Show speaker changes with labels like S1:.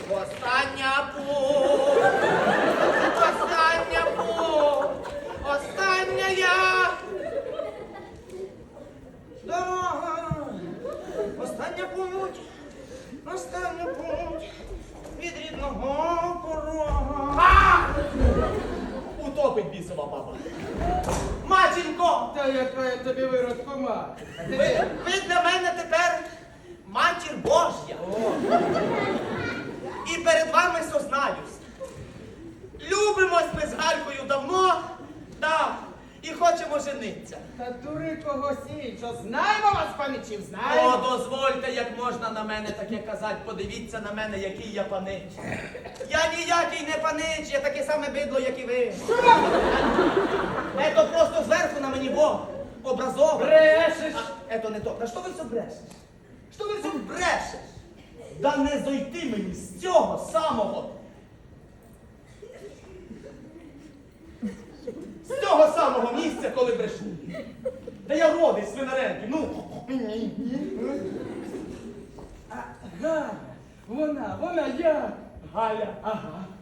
S1: Остання путь, остання путь, остання я. Дорога, остання путь від рідного порога. Утопить бісова баба. Матінко!
S2: Та яка я тобі виродку мати?
S1: Ви для мене тепер матір Божя. І перед вами сознаюсь. Любимось ми з Галькою давно, так, і хочемо жениться.
S2: Та дури когось іншого. Знаємо вас, паничів, знаємо.
S1: О, дозвольте, як можна на мене таке казати. Подивіться на мене, який я панич. Я ніякий не панич, я таке саме бидло, як і ви. Ето просто зверху на мені Бог образований.
S2: Брешеш.
S1: Ето не то. Та що ви все брешеш? Що ви все брешеш? Да не зойти мені з цього самого. З цього самого місця, коли брешу. Та я родий Свинаренки, ну.
S2: А, Галя, вона, я.
S1: Галя.
S2: Ага.